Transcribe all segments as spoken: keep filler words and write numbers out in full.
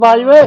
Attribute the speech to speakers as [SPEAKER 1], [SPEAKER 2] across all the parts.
[SPEAKER 1] ਬਾਜ ਵੇ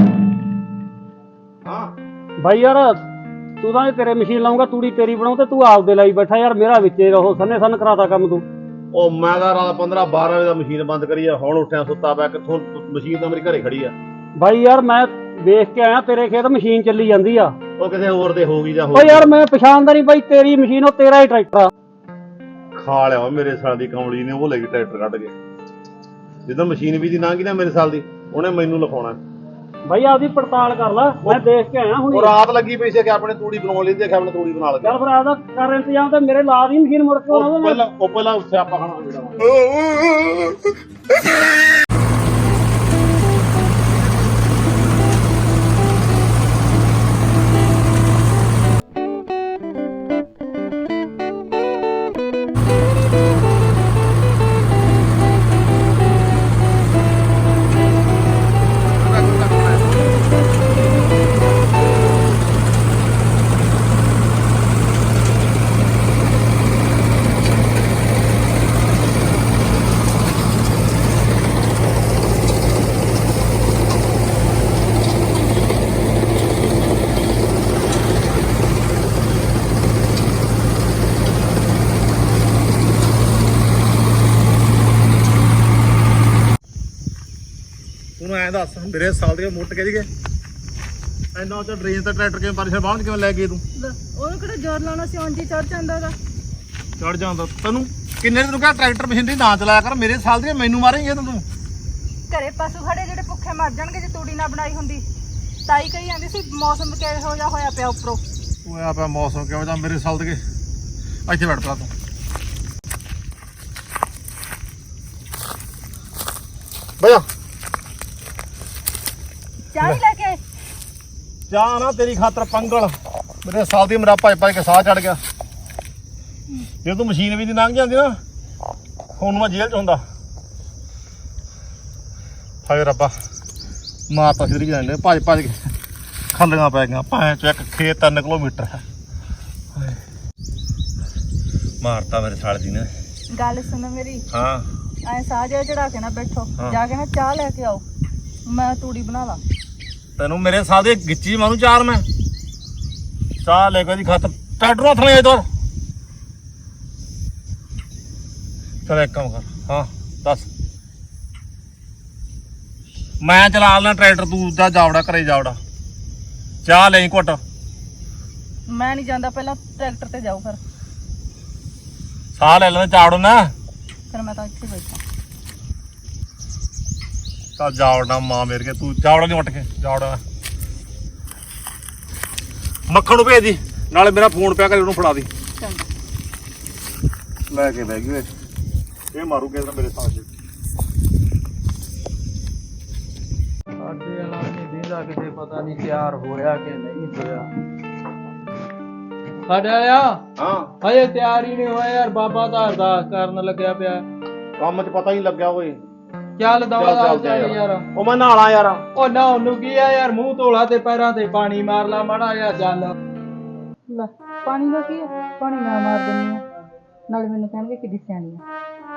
[SPEAKER 2] हाँ
[SPEAKER 1] भाई यार तू तो तेरे मशीन लाऊंगा तूड़ी तेरी बनाऊ तू आपदे लाई बैठा यार मेरा विचे रहो सन्ने सन कराता काम तू
[SPEAKER 2] ਉਹ ਮੈਂ ਤਾਂ ਰਾਤ ਪੰਦਰਾਂ ਬਾਰਾਂ ਵਜੇ ਦਾ ਮਸ਼ੀਨ ਬੰਦ ਕਰੀ ਆ ਹੁਣ ਉੱਠਿਆ ਸੁੱਤਾ ਪਿਆ ਕਿੱਥੋਂ ਮਸ਼ੀਨ ਤਾਂ ਮੇਰੇ ਘਰੇ ਖੜੀ ਆ
[SPEAKER 1] भाई यार मैं देख के आया तेरे खेत मशीन चली जाती आ
[SPEAKER 2] ਉਹ ਕਿਸੇ ਹੋਰ ਦੇ ਹੋ ਗਈ ਜਾਂ
[SPEAKER 1] ओ यार मैं पछाणदा नहीं भाई तेरी मशीन ओ तेरा ही ट्रैक्टर आ
[SPEAKER 2] ਖਾ ਲਿਆ ਵਾ ਮੇਰੇ ਸਾਲ ਦੀ ਕਮਲੀ ਨੇ ਉਹ ਲੈ ਕੇ ਟਰੈਕਟਰ ਕੱਢ ਕੇ ਜਦੋਂ ਮਸ਼ੀਨ ਵੀ ਦੀ ਨਾ ਗਈ ਨਾ ਮੇਰੇ ਸਾਲ ਦੀ ਉਹਨੇ ਮੈਨੂੰ ਲਿਖਾਉਣਾ
[SPEAKER 1] भाई आपदी पड़ताल कर ला मैं देख के आया
[SPEAKER 2] ਉਹ
[SPEAKER 1] हूं
[SPEAKER 2] ਰਾਤ ਲੱਗੀ ਪਈ ਸੀ ਕਿ ਆਪਣੇ ਤੂੜੀ ਬਣਾਉਣ ਲਈ ਦੇਖਿਆ ਆਪਣੇ ਤੂੜੀ ਬਣਾ ਲਗੇ
[SPEAKER 1] चल फिर आपदा कर इंतजाम ते मेरे ला दी मशीन मुड़ के
[SPEAKER 2] ਉਹ
[SPEAKER 1] ਉਹਨਾਂ
[SPEAKER 2] ਪਹਿਲਾਂ ਉਹ ਪਹਿਲਾਂ ਸਿਆਪਾ ਖਾਣਾ ਜਿਹੜਾ ਤੂੰ ਐਂ ਦੱਸ ਮੇਰੇ ਸਾਲ ਦੇ ਮੁੱਟ ਕੇ ਜੀਗੇ ਐਨਾ ਉੱਚਾ ਡਰੇਨ ਤੇ ਟਰੈਕਟਰ ਕਿਵੇਂ ਪਰੇਸ਼ਾਨ ਬਾਹਰ ਕਿਵੇਂ ਲੈ ਗਏ ਤੂੰ
[SPEAKER 3] ਉਹਨੂੰ ਕਿਹੜਾ ਜ਼ੋਰ ਲਾਉਣਾ ਸੀ ਉਂਝ ਹੀ ਚੜ ਜਾਂਦਾ ਉਹਦਾ
[SPEAKER 2] ਚੜ ਜਾਂਦਾ ਤੈਨੂੰ ਕਿੰਨੇ ਦਿਨ ਕਿਹਾ ਟਰੈਕਟਰ ਮਸ਼ੀਨਰੀ ਨਾ ਚਲਾਇਆ ਕਰ ਮੇਰੇ ਸਾਲ ਦੀ ਮੈਨੂੰ ਮਾਰੇਂਗੇ ਤੂੰ
[SPEAKER 3] ਘਰੇ ਪਸ਼ੂ ਖੜੇ ਜਿਹੜੇ ਭੁੱਖੇ ਮਰ ਜਾਣਗੇ ਜੇ ਤੂੜੀ ਨਾ ਬਣਾਈ ਹੁੰਦੀ ਤਾਈ ਕਹੀ ਜਾਂਦੀ ਸੀ ਮੌਸਮ ਕਿਹੋ ਜਿਹਾ ਹੋਇਆ ਪਿਆ ਉੱਪਰੋਂ
[SPEAKER 2] ਹੋਇਆ ਪਿਆ ਮੌਸਮ ਕਿਵੇਂ ਦਾ ਮੇਰੇ ਸਾਲ ਦੇ ਇੱਥੇ ਬੈਠ ਪਾ ਤੂੰ ਬਈਆ
[SPEAKER 3] ਚਾਹ ਹੀ ਲੈ ਕੇ ਆਏ।
[SPEAKER 2] ਚਾਹ ਨਾ ਤੇਰੀ ਖਾਤਰ ਪੰਗਲ ਮੇਰੇ ਸਾਲ ਦੀ ਮੇਰਾ ਭੱਜ ਭੱਜ ਕੇ ਸਾਹ ਚੜ ਗਿਆ ਜੇ ਤੂੰ ਮਸ਼ੀਨ ਵੀ ਦੀ ਲੰਘ ਜਾਂਦੀ ਨਾ ਹੁਣ ਮੈਂ ਜੇਲ੍ਹ ਚ ਹੁੰਦਾ ਹਾਏ ਰੱਬਾ ਮਾਂ ਤਾਂ ਸਿੱਧੀ ਜਾਂਦੇ ਭੱਜ ਭੱਜ ਕੇ ਖੱਲੀਆਂ ਪੈ ਗਈਆਂ ਭਾਂ ਚ ਇੱਕ ਖੇਤ ਤਿੰਨ ਕਿਲੋਮੀਟਰ ਹੈ ਮਾਰਤਾ ਮੇਰੇ ਸਾਲ ਦੀ ਨੇ
[SPEAKER 3] ਗੱਲ ਸੁਣੋ ਮੇਰੀ
[SPEAKER 2] ਹਾਂ
[SPEAKER 3] ਐ ਸਾਹ ਜਿਹਾ ਚੜਾ ਕੇ ਨਾ ਬੈਠੋ
[SPEAKER 2] ਹਾਂ।
[SPEAKER 3] ਜਾ ਕੇ ਨਾ ਚਾਹ ਲੈ ਕੇ ਆਓ ਮੈਂ ਤੂੜੀ ਬਣਾ ਲਾਂ
[SPEAKER 2] ਤੈਨੂੰ ਮੇਰੇ ਸਾਲ ਦੇ ਗਿੱਚੀ ਮਾਰੂ ਚਾਰ ਮੈਂ ਚਾਹ ਲੈ ਕੇ ਦੀ ਖਾਤਰ ਟਰੈਕਟਰ ਹੱਥ ਲੈ ਇਧਰ ਚਲ ਇੱਕ ਕੰਮ ਕਰ ਹਾਂ ਦੱਸ ਮੈਂ ਚਲਾ ਲੈਣਾ ਟਰੈਕਟਰ ਤੂੰ ਜਾ ਜਾਵੜਾ ਘਰੇ ਜਾਵੜਾ ਚਾਹ ਲੈ ਘੁੱਟ
[SPEAKER 3] ਮੈਂ ਨਹੀਂ ਜਾਂਦਾ ਪਹਿਲਾਂ ਟਰੈਕਟਰ ਤੇ ਜਾਓ ਫਿਰ
[SPEAKER 2] ਸਾਹ ਲੈ ਲੈਣਾ ਚਾਵੜੋ ਨਾ
[SPEAKER 3] ਫਿਰ ਮੈਂ ਤਾਂ ਇੱਥੇ ਬੈਠਾ
[SPEAKER 2] ਚੱਲ ਜਾਵੜਾ ਮਾਂ ਮੇਰ ਕੇ ਤੂੰ ਜਾਵੜਾ ਨਹੀਂ ਉੱਠ ਕੇ ਜਾਵੜਾ ਮੱਖਣ ਨੂੰ ਭੇਜ ਦੀ ਨਾਲੇ ਮੇਰਾ ਫੋਨ ਪਿਆ ਕਰੇ ਉਹਨੂੰ ਫੜਾ ਦੀ
[SPEAKER 3] ਚੰਗਾ
[SPEAKER 2] ਲੈ ਕੇ ਬਹਿ ਗਈ ਇਹ ਮਾਰੂ ਕੇ ਮੇਰੇ ਸਾਹ ਚ
[SPEAKER 4] ਸਾਡੇ ਵਾਲਾ ਨਹੀਂ ਦਿੰਦਾ ਕਿਤੇ ਪਤਾ ਨਹੀਂ ਤਿਆਰ ਹੋਇਆ ਕਿ ਨਹੀਂ ਹੋਇਆ ਸਾਡੇ ਵਾਲਿਆ
[SPEAKER 2] ਹਾਂ
[SPEAKER 4] ਹਜੇ ਤਿਆਰ ਹੀ ਨਹੀਂ ਹੋਇਆ ਯਾਰ ਬਾਬਾ ਦਾ ਅਰਦਾਸ ਕਰਨ ਲੱਗਿਆ ਪਿਆ
[SPEAKER 2] ਕੰਮ 'ਚ ਪਤਾ ਹੀ ਲੱਗਿਆ ਓਏ
[SPEAKER 4] ਚੱਲ ਦਵਾ ਦਾ
[SPEAKER 2] ਚੱਲ
[SPEAKER 4] ਚੱਲ ਯਾਰ
[SPEAKER 2] ਉਹ ਮੈਂ ਨਹਾਲਾ ਯਾਰ
[SPEAKER 4] ਉਹ ਨਾ ਉਹਨੂੰ ਕੀ ਆ ਯਾਰ ਮੂੰਹ ਧੋਲਾ ਤੇ ਪੈਰਾਂ ਤੇ ਪਾਣੀ ਮਾਰ ਲਾ ਮਾੜਾ ਜਿਹਾ ਚੱਲ
[SPEAKER 3] ਲੈ ਪਾਣੀ ਦਾ ਕੀ ਹੈ ਪਾਣੀ ਮੈਂ ਮਾਰ ਦਿੰਦੀ ਆ ਨਾਲੇ ਮੈਨੂੰ ਕਹਿਣਗੇ ਕਿੱਡੀ ਸਿਆਣੀ ਆ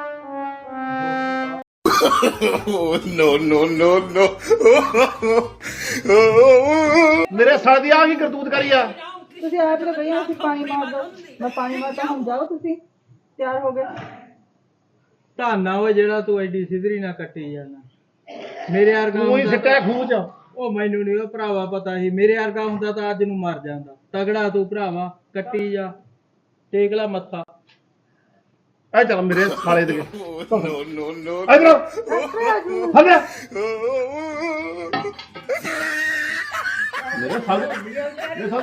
[SPEAKER 2] ਮੇਰੇ ਸਾਲ ਦੀ ਆ ਕੀ ਕਰਤੂਤ ਕਰੀ ਆ
[SPEAKER 3] ਤੁਸੀਂ ਆਪ ਤਾਂ ਕਹੀ ਅਸੀਂ ਪਾਣੀ ਮਾਰ ਦੋ ਮੈਂ ਪਾਣੀ ਮਾਰਤਾ ਹੁਣ ਜਾਓ ਤੁਸੀਂ ਤਿਆਰ ਹੋ ਗਏ
[SPEAKER 4] ਧਾਨਾ ਓਏ ਜਿਹੜਾ ਤੂੰ ਐਡੀ ਸਿਧਰੀ ਨਾ ਕੱਟੀ ਜਾਂਦਾ ਮੇਰੇ ਵਰਗਾ
[SPEAKER 2] ਤੂੰ ਹੀ
[SPEAKER 4] ਹੁੰਦਾ
[SPEAKER 2] ਸਿੱਟਿਆ ਖੂਹ 'ਚ
[SPEAKER 4] ਉਹ ਮੈਨੂੰ ਨਹੀਂ ਉਹ ਭਰਾਵਾ ਪਤਾ ਸੀ ਮੇਰੇ ਵਰਗਾ ਹੁੰਦਾ ਤਾਂ ਅੱਜ ਨੂੰ ਮਰ ਜਾਂਦਾ ਤਗੜਾ ਤੂੰ ਭਰਾਵਾ ਕੱਟੀ ਜਾ ਟੇਕ ਲਾ ਮੱਥਾ
[SPEAKER 2] ਐ ਚੱਲ ਮੇਰੇ ਸਾਲੇ ਦੇ ਨੋ ਨੋ ਨੋ ਇਧਰ ਹੱਲੇ ਮੇਰੇ ਸਾਲੇ ਮੇਰੇ ਸਾਲ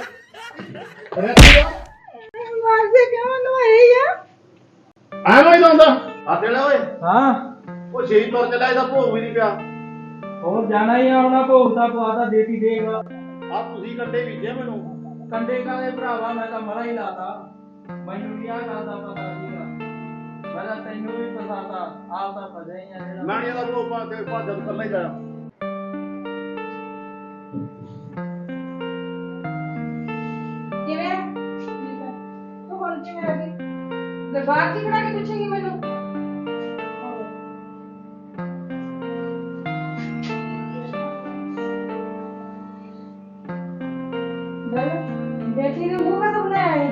[SPEAKER 3] ਮਾਰਦੇ ਕਿਉਂ ਨੂੰ ਆਏ ਆ
[SPEAKER 2] ਆ ਮੈਂ ਜਾਂਦਾ ਆ ਤੇਲਾ ਓਏ
[SPEAKER 4] ਹਾਂ
[SPEAKER 2] ਉਹ ਛੇਈ ਤੁਰ ਚੱਲਿਆ ਇਹਦਾ ਭੋਗ ਵੀ ਨਹੀਂ ਪਿਆ
[SPEAKER 4] ਹੋਰ ਜਾਣਾ ਹੀ ਆਉਣਾ ਭੋਗਦਾ ਪਵਾਦਾ ਦੇਤੀ ਦੇਗਾ
[SPEAKER 2] ਆ ਤੁਸੀਂ ਕੰਡੇ ਬੀਜੇ ਮੈਨੂੰ
[SPEAKER 4] ਕੰਡੇ ਕਾਲੇ ਭਰਾਵਾ ਮੈਂ ਤਾਂ ਮਰਾ ਹੀ ਲਾਤਾ ਮੈਨੂੰ ਕੀ ਆ ਕਰਦਾ ਪਤਾ ਸੀਗਾ ਮੈਂ ਤਾਂ ਤੈਨੂੰ ਵੀ ਫਸਾਤਾ ਆਪ ਤਾਂ ਫਸਿਆ ਹੀ ਆ ਜਿਹੜਾ
[SPEAKER 2] ਮੈਂ ਇਹਦਾ ਭੋਗ ਪਾ ਕੇ ਭੱਜ ਕੱਲਾ ਹੀ ਜਾਇਆ
[SPEAKER 3] ਕਿਵੇਂ ਤੂੰ ਹੁਣ ਕਿਵੇਂ ਆ ਗਈ ਦਰਬਾਰ ਚ ਖੜਾ ਕੇ ਪੁੱਛੇਂਗੀ ਮੈਨੂੰ
[SPEAKER 5] ਬੇਟੀ ਦੇ ਮੂੰਹ ਕਾ ਬਣਾਇਆ ਹੈ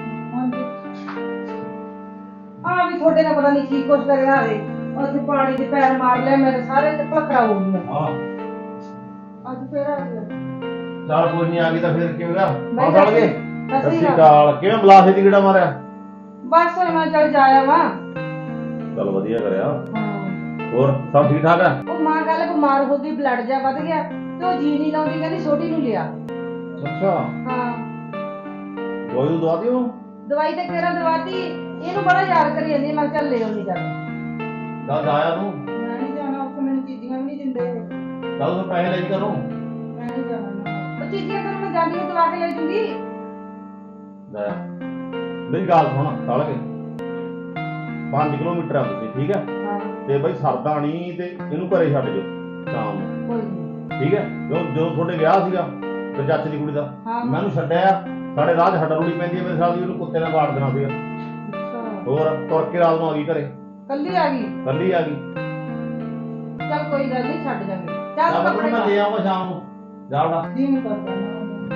[SPEAKER 5] ਆ ਵੀ ਤੁਹਾਡੇ ਨਾਲ ਪਤਾ ਨਹੀਂ ਕੀ ਕੁਛ ਕਰਿਆ ਹੈ ਉੱਥੇ ਪਾਣੀ ਦੇ ਪੈਰ ਮਾਰ ਲਿਆ ਮੇਰੇ ਸਾਰੇ ਚੱਪਲ ਖਰਾਬ ਹੋ ਗਈਆਂ
[SPEAKER 2] ਹਾਂ
[SPEAKER 5] ਅੱਜ ਫੇਰ ਆ ਗਿਆ
[SPEAKER 2] ਚੱਲ ਕੋਈ ਨਹੀਂ ਆ ਗਈ ਤਾਂ ਫਿਰ ਕਿਵੇਂ ਗਾ
[SPEAKER 5] ਨਹੀਂ,
[SPEAKER 2] ਆ ਚੱਲ ਗਏ
[SPEAKER 5] ਸਤਿ
[SPEAKER 2] ਸਤਿ
[SPEAKER 5] ਸ਼੍ਰੀ
[SPEAKER 2] ਸ਼੍ਰੀ
[SPEAKER 5] ਅਕਾਲ।
[SPEAKER 2] ਅਕਾਲ ਕਿਵੇਂ ਬਲਾਸੇ ਦੀ ਕਿਹੜਾ ਮਾਰਿਆ
[SPEAKER 5] ਬਸ ਮੈਂ ਚੱਲ ਜਾਇਆ ਵਾ
[SPEAKER 2] ਚੱਲ ਵਧੀਆ ਕਰਿਆ
[SPEAKER 5] ਹਾਂ
[SPEAKER 2] ਹੋਰ ਸਭ ਠੀਕ ਠਾਕ ਆ
[SPEAKER 5] ਉਹ ਮਾਂ ਕੱਲ ਬਿਮਾਰ ਹੋ ਗਈ ਬਲੱਡ ਜਾ ਵੱਧ ਗਿਆ ਤੇ ਉਹ ਜੀ ਨਹੀਂ ਲਾਉਂਦੀ ਕਹਿੰਦੀ ਛੋਟੀ ਨੂੰ ਲਿਆ
[SPEAKER 2] ਅੱਛਾ
[SPEAKER 5] ਹਾਂ
[SPEAKER 2] ਦਵਾਈ ਨੂੰ ਦਵਾ ਦਿਓ
[SPEAKER 5] ਦਵਾਈ ਤੇ ਕਿਹੜਾ ਦਵਾਤੀ ਇਹਨੂੰ ਬੜਾ ਯਾਦ ਕਰੀ ਜਾਂਦੀ ਮੈਂ ਕਿਹਾ ਚੱਲ ਲੈ ਆਉਣੀ ਜਾ
[SPEAKER 2] ਦੱਸ ਆਇਆ ਤੂੰ
[SPEAKER 5] ਮੈਂ ਨਹੀਂ ਜਾਣਾ ਉੱਥੇ ਮੈਨੂੰ ਚੀਜ਼ੀਆਂ ਵੀ ਨਹੀਂ ਦਿੰਦੇ ਇਹ।
[SPEAKER 2] ਚੱਲ ਤੂੰ ਪੈਸੇ ਲੈ ਜੀ ਕਰੋ
[SPEAKER 5] ਮੈਂ ਨਹੀਂ ਜਾਣਾ ਨਾ। ਉਹ ਚੀਜ਼ੀਆਂ ਤਾਂ ਮੈਂ ਜਾਂਦੀ ਨੂੰ ਦਵਾ ਕੇ ਲੈ ਜੂੰਗੀ
[SPEAKER 2] ਲੈ ਮੇਰੀ ਗੱਲ ਸੁਣ ਚੱਲ ਕੇ ਪੰਜ ਕਿਲੋਮੀਟਰ ਆ ਤੁਸੀਂ ਠੀਕ ਹੈ
[SPEAKER 5] ਹਾਂ
[SPEAKER 2] ਤੇ ਬਈ ਸਰਦਾ ਨਹੀਂ ਤੇ ਇਹਨੂੰ ਘਰੇ ਛੱਡ ਜਾਓ ਸ਼ਾਮ ਨੂੰ
[SPEAKER 5] ਕੋਈ ਨਹੀਂ
[SPEAKER 2] ਠੀਕ ਹੈ ਜਦੋਂ ਜਦੋਂ ਤੁਹਾਡੇ ਵਿਆਹ ਸੀਗਾ ਤੇ ਚਾਚੇ ਦੀ ਕੁੜੀ ਦਾ
[SPEAKER 5] ਹਾਂ।
[SPEAKER 2] ਮੈਂ ਉਹਨੂੰ ਛੱਡਿਆ ਸਾਡੇ ਰਾਹ 'ਚ ਹੱਡਾ ਰੋੜੀ ਪੈਂਦੀ ਹੈ ਮੇਰੇ ਸਾਲ ਦੀ ਉਹਨੂੰ ਕੁੱਤੇ ਨਾਲ ਵਾੜ ਦੇਣਾ ਸੀਗਾ
[SPEAKER 5] ਅੱਛਾ
[SPEAKER 2] ਹੋਰ ਤੁਰ ਕੇ ਰਾਤ ਨੂੰ ਆ ਗਈ ਘਰੇ
[SPEAKER 5] ਕੱਲੀ ਆ ਗਈ
[SPEAKER 2] ਕੱਲੀ ਆ ਗਈ
[SPEAKER 5] ਚੱਲ ਕੋਈ ਗੱਲ ਨਹੀਂ ਛੱਡ ਜਾਵਾਂਗੇ ਚੱਲ
[SPEAKER 2] ਚੱਲ
[SPEAKER 5] ਕੱਪੜੇ
[SPEAKER 2] ਮੈਂ ਲੈ ਆਵਾਂ ਸ਼ਾਮ ਨੂੰ ਜਾ ਉਡਾ
[SPEAKER 5] ਦੀ ਨਹੀਂ ਕਰਦਾ ਨਾ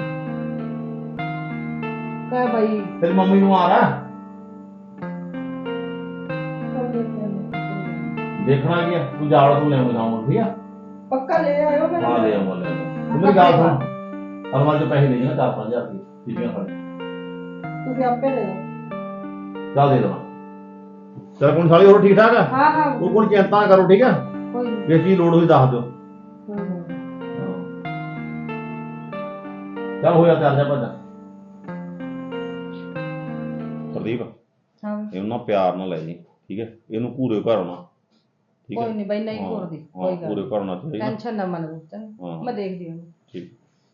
[SPEAKER 5] ਕਹ ਭਾਈ
[SPEAKER 2] ਤੇਰੀ ਮੰਮੀ ਨੂੰ ਆ ਰਹਾ ਦੇਖਣਾ ਕੀ ਹੈ ਤੂੰ ਜਾ ਉਡਾ ਤੂੰ ਲੈ ਆਵਾਂ ਸ਼ਾਮ ਨੂੰ ਠੀਕ ਹੈ
[SPEAKER 5] ਪੱਕਾ ਲੈ ਆਇਓ ਮੈਂ
[SPEAKER 2] ਹਾਂ ਲੈ ਆਵਾਂ ਲੈ ਆਵਾਂ ਤੂੰ ਮੇਰੀ ਗੱਲ ਸੁਣ ਅਲਮਾਰੀ 'ਚ ਪੈਸੇ ਨਹੀਂ ਹੈ ਚਾਰ ਪੰਜ ਹਜ਼ਾਰ ਦੀ ਠੀਕੀਆਂ ਫੜ
[SPEAKER 5] ਤੁਸੀਂ ਆਪੇ ਲੈ ਲਓ
[SPEAKER 2] ਚੱਲ ਦੇ ਦੇਵਾਂ ਚੱਲ ਕੋਣ ਸਾਲੀ ਹੋਰ ਠੀਕ ਠਾਕ ਆ
[SPEAKER 5] ਹਾਂ ਹਾਂ
[SPEAKER 2] ਉਹ ਕੋਈ ਚਿੰਤਾ ਨਾ ਕਰੋ ਠੀਕ ਹੈ
[SPEAKER 5] ਕੋਈ ਨਹੀਂ
[SPEAKER 2] ਜੇ ਚੀਜ਼ ਲੋੜ ਹੋਈ ਦੱਸ ਦਿਓ
[SPEAKER 5] ਕੋਈ ਨਹੀਂ
[SPEAKER 2] ਚੱਲ ਹੋਇਆ ਤਿਆਰ ਜਾ ਭੱਜ ਪ੍ਰਦੀਪ
[SPEAKER 5] ਹਾਂ
[SPEAKER 2] ਇਹਨੂੰ ਨਾ ਪਿਆਰ ਨਾਲ ਲੈ ਜੀ ਠੀਕ ਹੈ ਇਹਨੂੰ ਪੂਰੇ ਘਰ ਆਉਣਾ ਠੀਕ ਹੈ
[SPEAKER 5] ਕੋਈ ਨਹੀਂ ਬਈ ਨਹੀਂ
[SPEAKER 2] ਹਾਂ,
[SPEAKER 5] ਘੁਰਦੀ
[SPEAKER 2] ਹਾਂ,
[SPEAKER 5] ਕੋਈ ਗੱਲ
[SPEAKER 2] ਪੂਰੇ ਘਰ ਆਉਣਾ ਚਾਹੀਦਾ
[SPEAKER 5] ਟੈਨਸ਼ਨ ਨਾ ਮੰਨ
[SPEAKER 2] ਹਾਂ।
[SPEAKER 5] ਤੂੰ ਮੈਂ ਦੇਖਦੀ ਹਾਂ
[SPEAKER 2] ਠੀਕ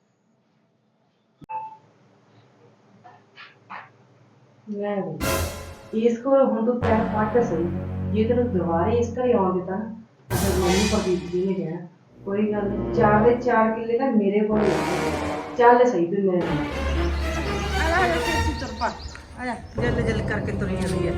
[SPEAKER 5] ਲੈ ਬਈ ਇਸ ਕੋਲ ਹੁਣ ਤੂੰ ਪੈਰ ਪੱਟ ਸਹੀ ਜੇ ਤੈਨੂੰ ਦੁਬਾਰੇ ਇਸ ਘਰੇ ਆਉਣ ਦਿੱਤਾ ਨਾ ਤਾਂ ਮੈਨੂੰ ਪ੍ਰਦੀਪ ਜੀ ਨੇ ਕਹਿਣਾ ਕੋਈ ਗੱਲ ਨਹੀਂ ਚਾਰ ਦੇ ਚਾਰ ਕਿੱਲੇ ਤਾਂ ਮੇਰੇ ਕੋਲ ਹੀ ਆ। ਚੱਲ ਸਹੀ ਤੂੰ ਮੇਰੇ ਨਾਲ
[SPEAKER 3] ਆ ਜਾ ਚਿੱਚੀ ਚੱਪਾ ਆ ਜਾ ਜਲ ਜਲ ਕਰਕੇ ਤੁਰੀ ਜਾਂਦੀ ਹੈ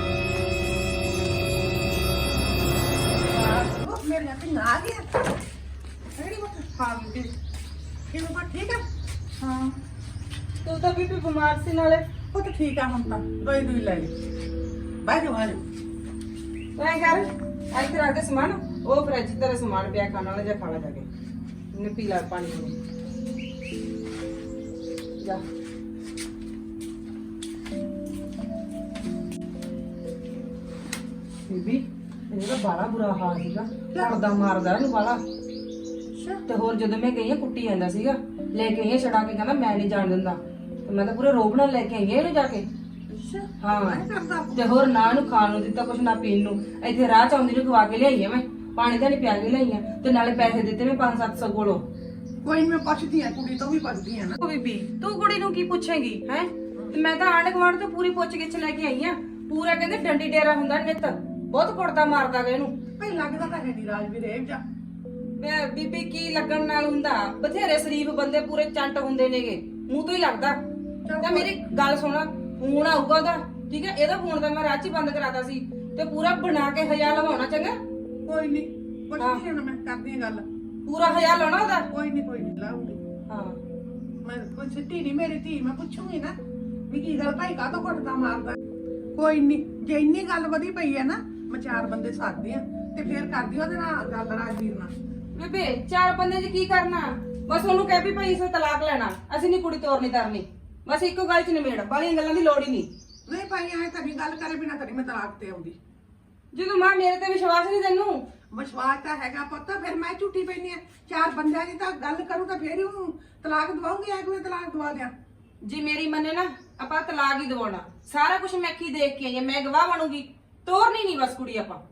[SPEAKER 3] ਮੇਰੇ ਨਾਲ ਆ ਗਿਆ ਕਿਹੜੀ ਬਾਤ ਹਾਂ ਬੀਬੀ ਕਿਵੇਂ ਬਾ ਠੀਕ ਆ ਹਾਂ ਤੂੰ ਤਾਂ ਬੀਬੀ ਬਿਮਾਰ ਸੀ ਨਾਲੇ ਉਹ ਤਾਂ ਠੀਕ ਆ ਹੁਣ ਤਾਂ ਦਵਾਈ ਦੂਈ ਲੈ ਲਈ ਬਾਈ ਜੋ ਹਾਲ
[SPEAKER 5] ਮੈਂ ਕਰ ਇੱਥੇ ਰੱਖ ਦੇ ਸਮਾਨ ਉਹ ਫਰਿੱਜ ਤੇਰਾ ਸਮਾਨ ਪਿਆ ਖਾਣ ਵਾਲਾ ਜਾਂ ਖਾਣਾ ਜਾ ਕੇ ਨੇ ਪੀ ਲੈ ਪਾਣੀ ਨੂੰ ਜਾ ਬੀਬੀ ਇਹਦਾ ਬਾਲਾ ਬੁਰਾ ਹਾਲ ਸੀਗਾ ਲੜਦਾ ਮਾਰਦਾ ਇਹਨੂੰ ਬਾਲਾ ਤੇ ਹੋਰ ਜਦੋਂ ਮੈਂ ਗਈ ਆ ਕੁੱਟੀ ਜਾਂਦਾ ਸੀਗਾ ਲੈ ਕੇ ਆਈ ਆ ਛੜਾ ਕੇ ਕਹਿੰਦਾ ਮੈਂ ਨਹੀਂ ਜਾਣ ਦਿੰਦਾ ਤੇ ਮੈਂ ਤਾਂ ਪੂਰੇ ਰੋਬ ਨਾਲ ਲੈ ਕੇ ਆਈ ਆ ਇਹਨੂੰ ਜਾ ਕੇ ਹਾਂ ਤੇ ਹੋਰ ਨਾ ਇਹਨੂੰ ਖਾਣ ਨੂੰ ਦਿੱਤਾ ਕੁਛ ਨਾ ਪੀਣ ਨੂੰ ਇੱਥੇ ਰਾਹ ਚ ਆਉਂਦੀ ਨੂੰ ਖਵਾ ਕੇ ਲਿਆਈ ਆ ਮੈਂ ਪਾਣੀ ਤਾਂ ਨਹੀਂ ਪਿਆ ਕੇ ਲਿਆਈ ਆ ਤੇ ਨਾਲੇ ਪੈਸੇ ਦਿੱਤੇ ਮੈਂ ਪੰਜ ਸੱਤ ਸੌ ਕੋਲੋਂ
[SPEAKER 6] ਕੋਈ ਮੈਂ ਪੁੱਛਦੀ ਆ ਕੁੜੀ ਤੋਂ ਵੀ ਪੁੱਛਦੀ ਆ ਨਾ
[SPEAKER 5] ਉਹ ਬੀਬੀ ਤੂੰ ਕੁੜੀ ਨੂੰ ਕੀ ਪੁੱਛੇਂਗੀ ਹੈ ਤੇ ਮੈਂ ਤਾਂ ਆਂਢ ਗੁਆਂਢ ਤੋਂ ਪੂਰੀ ਪੁੱਛ ਗਿੱਛ ਲੈ ਕੇ ਆਈ ਆ ਪੂਰਾ ਕਹਿੰਦੇ ਡੰਡੀ ਡੇਰਾ ਹੁੰਦਾ ਨਿੱਤ ਬਹੁਤ ਕੁੜਦਾ ਮਾਰਦਾ ਗਾ ਇਹਨੂੰ
[SPEAKER 6] ਭਈ ਲੱਗਦਾ ਤਾਂ ਹੈ ਨਹੀਂ ਰਾਜਵੀਰ ਇਹ ਜਾ
[SPEAKER 5] ਮੈਂ ਬੀਬੀ ਕੀ ਲੱਗਣ ਨਾਲ ਹੁੰਦਾ ਬਥੇਰੇ ਸ਼ਰੀਫ ਬੰਦੇ ਪੂਰੇ ਚੰਟ ਹੁੰਦੇ ਨੇਗੇ ਮੂੰਹ ਤੋਂ ਹੀ ਲੱਗਦਾ ਤਾਂ ਮੇਰੀ ਗੱਲ ਸੁਣ ਫੋਨ ਆਊਗਾ ਉਹਦਾ ਠੀਕ ਹੈ ਇਹਦਾ ਫੋਨ ਤਾਂ ਮੈਂ ਰਾਹ 'ਚ ਹੀ ਬੰਦ ਕਰਾਤਾ ਸੀ ਤੇ ਪੂਰਾ ਬਣਾ ਕੇ ਹਜ਼ਾਰ ਲਵਾਉਣਾ ਚੰਗਾ
[SPEAKER 6] ਕੋਈ ਨਹੀਂ ਪੁੱਛਦੀ ਆ ਨਾ ਮੈਂ ਕਰਦੀ ਆ ਗੱਲ
[SPEAKER 5] ਪੂਰਾ ਹਜ਼ਾਰ ਲਾਉਣਾ ਉਹਦਾ
[SPEAKER 6] ਕੋਈ ਨਹੀਂ ਕੋਈ ਨਹੀਂ ਲਾਉਂਗੀ
[SPEAKER 5] ਹਾਂ
[SPEAKER 6] ਮੈਂ ਕੋਈ ਸਿੱਟੀ ਨਹੀਂ ਮੇਰੀ ਧੀ ਮੈਂ ਪੁੱਛੂਗੀ ਨਾ ਵੀ ਕੀ ਗੱਲ ਭਾਈ ਕਾਹਤੋਂ ਘੁੱਟਦਾ ਮਾਰਦਾ ਕੋਈ ਨਹੀਂ ਜੇ ਇੰਨੀ ਗੱਲ ਵਧੀ ਪਈ ਹੈ ਨਾ ਮੈਂ ਚਾਰ ਬੰਦੇ ਸਾਧਦੀ ਆ ਤੇ ਫੇਰ ਕਰਦੀ ਉਹਦੇ ਨਾਲ ਗੱਲ ਰਾਜਵੀਰ ਨਾਲ
[SPEAKER 5] ਬੇਬੇ ਚਾਰ ਬੰਦੇ 'ਚ ਕੀ ਕਰਨਾ ਬਸ ਉਹਨੂੰ ਕਹਿ ਵੀ ਭਾਈ ਇਸੇ ਤਲਾਕ ਲੈਣਾ ਅਸੀਂ ਨਹੀਂ ਕੁੜੀ ਤੋਰਨੀ ਤਰਨੀ ਬਸ ਇੱਕੋ ਗੱਲ 'ਚ ਨਿਬੇੜ ਬਾਲੀਆਂ ਗੱਲਾਂ ਦੀ ਲੋੜ ਹੀ ਨਹੀਂ
[SPEAKER 6] ਨਹੀਂ ਭਾਈ ਐ ਤਾਂ ਨਹੀਂ ਗੱਲ ਕਰੇ ਬਿਨਾ ਕਰੀ ਮੈਂ ਤਲਾਕ ਤੇ ਆਉਂਦੀ
[SPEAKER 5] ਜਦੋਂ ਮਾਂ ਮੇਰੇ ਤੇ ਵਿਸ਼ਵਾਸ ਨਹੀਂ ਤੈਨੂੰ
[SPEAKER 6] ਵਿਸ਼ਵਾਸ ਤਾਂ ਹੈਗਾ ਪੁੱਤ ਫਿਰ ਮੈਂ ਝੂਠੀ ਪੈਣੀ ਆ ਚਾਰ ਬੰਦਿਆਂ ਦੀ ਤਾਂ ਗੱਲ ਕਰੂ ਤਾਂ ਫੇਰ ਹੀ ਉਹਨੂੰ ਤਲਾਕ ਦਵਾਉਂਗੀ ਐ ਕਿਵੇਂ ਤਲਾਕ ਦਵਾ ਦਿਆਂ
[SPEAKER 5] ਜੇ ਮੇਰੀ ਮੰਨੇ ਨਾ ਆਪਾਂ ਤਲਾਕ ਹੀ ਦਵਾਉਣਾ ਸਾਰਾ ਕੁਝ ਮੈਂ ਕੀ ਦੇਖ ਕੇ ਆਈ ਹਾਂ ਮੈਂ ਗਵਾਹ ਬਣੂਗੀ ਤੋਰਨੀ ਨਹੀਂ ਬਸ ਕੁੜੀ ਆਪਾਂ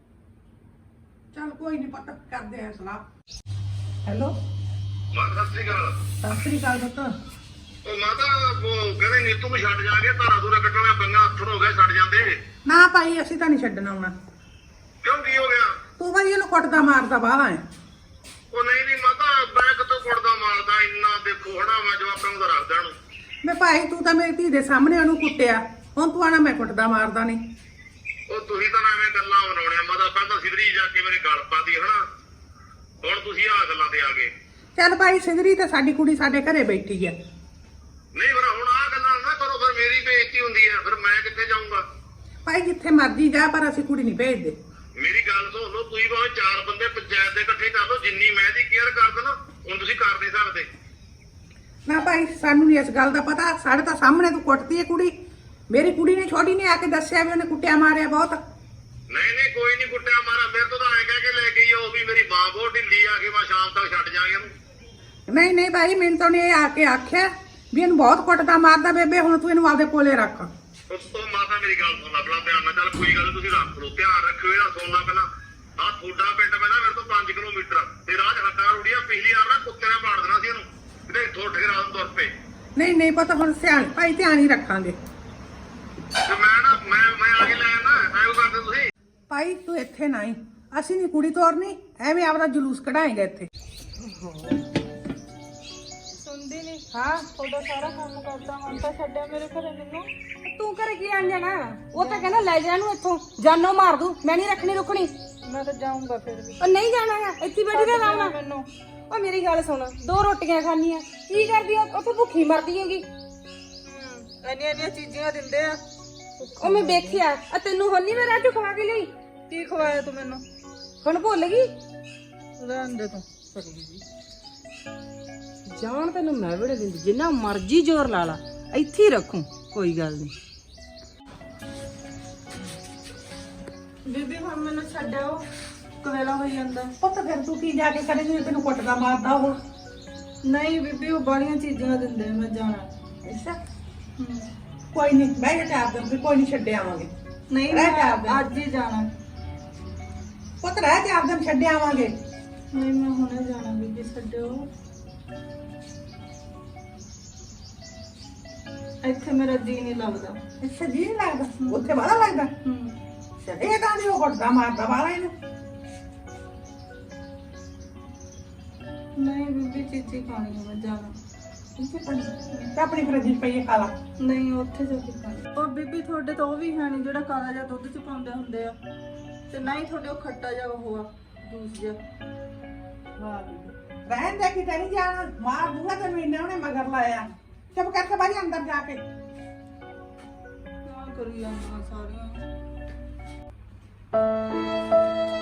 [SPEAKER 6] ਚੱਲ ਕੋਈ ਨਹੀਂ ਪਤਾ ਕਰਦੇ ਆ ਸਲਾਹ
[SPEAKER 5] ਹੈਲੋ
[SPEAKER 2] ਮਾਤਾ ਸਤਿ ਸ਼੍ਰੀ ਅਕਾਲ
[SPEAKER 6] ਸਤਿ ਸ੍ਰੀ ਅਕਾਲ ਪੁੱਤ
[SPEAKER 2] ਉਹ ਮਾਤਾ ਉਹ ਕਹਿੰਦੇ ਨੀਤੂ ਨੂੰ ਛੱਡ ਜਾਗੇ ਧਾਰਾ ਦੂਰਾ ਕੱਟਣਾ ਬੰਗਾ ਹੱਥੋਂ ਹੋ ਗਿਆ ਛੱਡ ਜਾਂਦੇ
[SPEAKER 6] ਨਾ ਭਾਈ ਅਸੀਂ ਤਾਂ ਨਹੀਂ ਛੱਡਣਾ ਆਉਣਾ
[SPEAKER 2] ਕਿਉਂ ਕੀ ਹੋ ਗਿਆ
[SPEAKER 6] ਤੂੰ ਭਾਈ ਇਹਨੂੰ ਕੁੱਟਦਾ ਮਾਰਦਾ ਬਾਹਲਾ ਹੈ
[SPEAKER 2] ਉਹ ਨਹੀਂ ਨਹੀਂ ਮਾਤਾ ਮੈਂ ਕਿਤੋਂ ਕੁੜਦਾ ਮਾਰਦਾ ਇੰਨਾ ਦੇਖੋ ਹਣਾ ਮੈਂ ਜਵਾਕਾਂ ਨੂੰ ਤਾਂ ਰੱਖਦਾ ਨੂੰ
[SPEAKER 6] ਮੈਂ ਭਾਈ ਤੂੰ ਤਾਂ ਮੇਰੀ ਧੀ ਦੇ ਸਾਹਮਣੇ ਉਹਨੂੰ ਕੁੱਟਿਆ ਹੁਣ ਤੂੰ ਆਣਾ ਮੈਂ ਕੁੱਟਦਾ ਮਾਰਦਾ ਨਹੀਂ
[SPEAKER 2] ਉਹ ਤੁਸੀਂ ਤਾਂ ਐਵੇਂ ਗੱਲਾਂ ਬਣਾਉਣੀਆਂ ਮਾਤਾ ਪਹਿਲਾਂ ਸਿੱਧਰੀ ਜਾ ਕੇ ਮੇਰੇ ਗਲ ਪਾਦੀ ਹਨਾ ਹੁਣ ਤੁਸੀਂ ਆਹ ਗੱਲਾਂ ਤੇ ਆ ਗਏ
[SPEAKER 6] ਚੱਲ ਭਾਈ ਸਿਧਰੀ ਤਾਂ ਸਾਡੀ ਕੁੜੀ ਸਾਡੇ ਘਰੇ ਬੈਠੀ ਆ
[SPEAKER 2] ਨਹੀਂ ਪਰ ਹੁਣ ਮੇਰੀ ਬੇਇੱਜ਼ਤੀ ਹੁੰਦੀ ਆ, ਫਿਰ ਮੈਂ ਕਿੱਥੇ ਜਾਊਂਗਾ?
[SPEAKER 6] ਭਾਈ ਜਿੱਥੇ ਮਰਜੀ ਜਾ, ਪਰ ਅਸੀਂ ਕੁੜੀ ਨਹੀਂ ਭੇਜਦੇ।
[SPEAKER 2] ਮੇਰੀ ਗੱਲ ਸੁਣ ਲਓ, ਤੁਸੀਂ ਭਾਵੇਂ ਚਾਰ ਬੰਦੇ ਪੰਚਾਇਤ ਦੇ ਇਕੱਠੇ ਕਰ ਲਓ, ਜਿੰਨੀ ਮੈਂ ਦੀ ਕੇਅਰ ਕਰਦਾ ਨਾ ਹੁਣ ਤੁਸੀਂ ਕਰ ਨਹੀਂ ਸਕਦੇ।
[SPEAKER 6] ਨਾ ਭਾਈ ਸਾਨੂੰ ਨਹੀਂ ਇਸ ਗੱਲ ਦਾ ਪਤਾ, ਸਾਡੇ ਤਾਂ ਸਾਹਮਣੇ ਤੂੰ ਕੁੱਟਦੀ ਹੈ ਕੁੜੀ। ਮੇਰੀ ਕੁੜੀ ਨੇ ਛੋਟੀ ਨੇ ਆ ਕੇ ਦੱਸਿਆ ਵੀ ਉਹਨੇ ਕੁੱਟਿਆ ਮਾਰਿਆ ਬਹੁਤ।
[SPEAKER 2] ਨਹੀਂ ਨਹੀਂ ਕੋਈ ਨਹੀਂ ਕੁੱਟਿਆ ਮਾਰਾ, ਮੇਰੇ ਤੋਂ ਤਾਂ ਐਂ ਕਹਿ ਕੇ ਲੈ ਗਈ ਉਹ ਵੀ ਮੇਰੀ ਮਾਂ ਬਹੁਤ ਢਿੱਲੀ ਆ ਕੇ ਮੈਂ ਸ਼ਾਮ ਤੱਕ ਛੱਡ ਜਾਾਂਗੇ ਉਹਨੂੰ।
[SPEAKER 6] ਨਹੀਂ ਨਹੀਂ ਭਾਈ, ਮੈਨੂੰ ਤਾਂ ਉਹਨੇ ਇਹ ਆ ਕੇ ਆਖਿਆ ਵੀ ਇਹਨੂੰ ਬਹੁਤ ਕੁੱਟਦਾ ਮਾਰਦਾ ਬੇਬੇ, ਹੁਣ ਤੂੰ ਇਹਨੂੰ ਆਪਦੇ ਕੋਲੇ ਰੱਖ।
[SPEAKER 2] ਉਸ ਤੋਂ ਮਾਤਾ ਮੇਰੀ ਗੱਲ ਸੁਣ ਲੈ ਬੜਾ ਧਿਆਨ ਨਾਲ, ਚੱਲ ਕੋਈ ਗੱਲ ਨੀ, ਤੁਸੀਂ ਰੱਖ ਲਓ, ਧਿਆਨ ਰੱਖਿਓ ਇਹਦਾ। ਸੁਣਨਾ ਪਹਿਲਾਂ ਆਹ ਤੁਹਾਡਾ ਪਿੰਡ ਪਹਿਲਾਂ ਮੇਰੇ ਤੋਂ ਪੰਜ ਕਿਲੋਮੀਟਰ ਤੇ ਰਾਜ ਹੱਡਾ ਰੁੜੀਆਂ, ਪਿਛਲੀ ਵਾਰ ਨਾ ਕੁੱਤੇ ਨੇ ਪਾੜ ਦੇਣਾ ਸੀ ਇਹਨੂੰ, ਕਿਤੇ ਇੱਥੋਂ ਉੱਠ ਕੇ ਰਾਤ ਨੂੰ ਤੁਰ ਪਏ।
[SPEAKER 6] ਨਹੀਂ ਨਹੀਂ ਪਤਾ, ਹੁਣ ਸਿਆਣ ਭਾਈ ਧਿਆਨ ਹੀ ਰੱਖਾਂਗੇ।
[SPEAKER 2] ਤੇ ਮੈਂ ਨਾ ਮੈਂ ਮੈਂ ਆ ਕੇ ਲੈ ਆਣਾ, ਐਂ ਕਰਦੇ ਤੁਸੀਂ।
[SPEAKER 6] ਭਾਈ ਤੂੰ ਇੱਥੇ ਨਾ ਆਈ, ਅਸੀਂ ਨਹੀਂ ਕੁੜੀ ਤੋਰਨੀ, ਐਵੇਂ ਆਪਦਾ ਜਲੂਸ ਕਢਾਏਗਾ ਇੱਥੇ।
[SPEAKER 5] ਸੁਣਦੀ ਨਹੀਂ।
[SPEAKER 3] ਹਾਂ ਤੁਹਾਡਾ ਸਾਰਾ ਕੰਮ ਕਰਦਾ, ਹੁਣ ਤਾਂ ਛੱਡਿਆ ਮੇਰੇ ਘਰੇ ਮੈਨੂੰ।
[SPEAKER 5] ਤੂੰ ਘਰੇ ਕੀ ਆਣ ਜਾਣਾ? ਉਹ ਤਾਂ ਕਹਿੰਦਾ ਲੈ ਜਾ ਇਹਨੂੰ ਇੱਥੋਂ, ਜਾਨੋਂ ਮਾਰ ਦੂੰ, ਮੈਂ ਨਹੀਂ ਰੱਖਣੀ ਰੁਕਣੀ।
[SPEAKER 3] ਮੈਂ ਤਾਂ ਜਾਊਂਗਾ ਫਿਰ ਵੀ।
[SPEAKER 5] ਉਹ ਨਹੀਂ ਜਾਣਾ ਹੈ, ਇੱਥੇ ਬੈਠੀ ਰਹਿ ਆਰਾਮ ਨਾਲ।
[SPEAKER 3] ਮੈਨੂੰ
[SPEAKER 5] ਉਹ ਮੇਰੀ ਗੱਲ ਸੁਣ, ਦੋ ਰੋਟੀਆਂ ਖਾਣੀਆਂ, ਕੀ ਕਰਦੀ ਆ ਉੱਥੇ ਭੁੱਖੀ ਮਰਦੀ ਹੈਗੀ।
[SPEAKER 3] ਇੰਨੀਆਂ ਇੰਨੀਆਂ ਚੀਜ਼ਾਂ ਦਿੰਦੇ ਆ।
[SPEAKER 5] ਉਹ ਮੈਂ ਵੇਖਿਆ, ਆ ਤੈਨੂੰ ਹੁਣ ਨਹੀਂ ਮੈਂ ਰਾਜੂ ਖਵਾ ਕੇ ਲਈ।
[SPEAKER 3] ਕੀ ਖਵਾਇਆ ਤੂੰ ਮੈਨੂੰ?
[SPEAKER 5] ਹੁਣ ਭੁੱਲ ਗਈ?
[SPEAKER 3] ਰਹਿਣ ਦੇ ਤੂੰ।
[SPEAKER 5] ਜਾਣ ਤੈਨੂੰ ਮੈਂ ਬੜੇ ਦਿੰਦੀ, ਜਿੰਨਾ ਮਰਜ਼ੀ ਜ਼ੋਰ ਲਾ ਲਾ, ਇੱਥੇ ਹੀ ਰੱਖੂ, ਕੋਈ ਗੱਲ ਨਹੀਂ।
[SPEAKER 3] ਬੀਬੀ ਹੁਣ ਮੈਨੂੰ ਛੱਡਿਓ, ਕਵੇਲਾ ਹੋਈ ਜਾਂਦਾ।
[SPEAKER 6] ਪੁੱਤ ਫਿਰ ਤੂੰ ਕੀ ਜਾ ਕੇ ਕਰੇਂਗੀ, ਤੈਨੂੰ ਕੁੱਟਦਾ ਮਾਰਦਾ ਉਹ।
[SPEAKER 3] ਨਹੀਂ ਬੀਬੀ, ਉਹ ਬਾਹਲੀਆਂ ਚੀਜ਼ਾਂ ਦਿੰਦੇ, ਮੈਂ ਜਾਣਾ।
[SPEAKER 6] ਅੱਛਾ ਕੋਈ ਨਹੀਂ, ਬਹਿ ਜਾ ਚਾਰ ਦਿਨ, ਵੀ ਕੋਈ ਨਹੀਂ ਛੱਡ ਆਵਾਂਗੇ।
[SPEAKER 3] ਨਹੀਂ
[SPEAKER 6] ਰਹਿ ਚਾਰ ਦਿਨ।
[SPEAKER 3] ਮੈਂ ਅੱਜ ਹੀ ਜਾਣਾ।
[SPEAKER 6] ਪੁੱਤ ਰਹਿ ਚਾਰ ਦਿਨ, ਛੱਡ ਆਵਾਂਗੇ।
[SPEAKER 3] ਨਹੀਂ ਮੈਂ ਹੁਣੇ ਜਾਣਾ ਬੀਬੀ, ਛੱਡਿਓ। ਇੱਥੇ ਮੇਰਾ ਜੀ ਨਹੀਂ ਲੱਗਦਾ।
[SPEAKER 6] ਅੱਛਾ ਜੀ ਨਹੀਂ ਲੱਗਦਾ, ਉੱਥੇ ਵਾਲਾ ਲੱਗਦਾ।
[SPEAKER 3] ਹੂੰ
[SPEAKER 6] ਛੱਡੇ ਤਾਂ ਨਹੀਂ, ਉਹ ਕੁੱਟਦਾ ਮਾਰਦਾ ਵਾਲਾ ਇਹਨੂੰ।
[SPEAKER 3] ਨਹੀਂ ਬੀਬੀ, ਚੀਚੀ ਖਾਣੀ ਹੈ, ਮੈਂ ਜਾਣਾ।
[SPEAKER 6] ਤੇ ਆਪਣੀ ਫਰਿੱਜ 'ਚ ਪਈ ਖਾ ਲਾ।
[SPEAKER 3] ਨਹੀਂ ਉੱਥੇ ਜਾ ਕੇ ਖਾਣੀ। ਉਹ ਬੀਬੀ ਤੁਹਾਡੇ ਤਾਂ ਉਹ ਵੀ ਹੈ ਨਹੀਂ ਜਿਹੜਾ ਕਾਲਾ ਜਿਹਾ ਦੁੱਧ ਚ ਪਾਉਂਦੇ ਹੁੰਦੇ ਆ, ਤੇ ਨਾ ਹੀ ਤੁਹਾਡੇ ਉਹ ਖੱਟਾ ਜਿਹਾ ਉਹ ਆ ਜੂਸ ਜਿਹਾ।
[SPEAKER 6] ਰਹਿਣ ਦੇ, ਕਿਤੇ ਨਹੀਂ ਜਾਣਾ, ਮਾਰ ਦੂੰਗਾ ਤੇ ਮਹੀਨੇ ਉਹਨੇ ਮਗਰ ਲਾਇਆ। ਚੁੱਪ ਕਰਕੇ ਬਾਈ ਅੰਦਰ ਜਾ ਕੇ।
[SPEAKER 3] ਕਿਆ ਕਰੀ ਜਾਂਦੀਆਂ ਸਾਰੀਆਂ।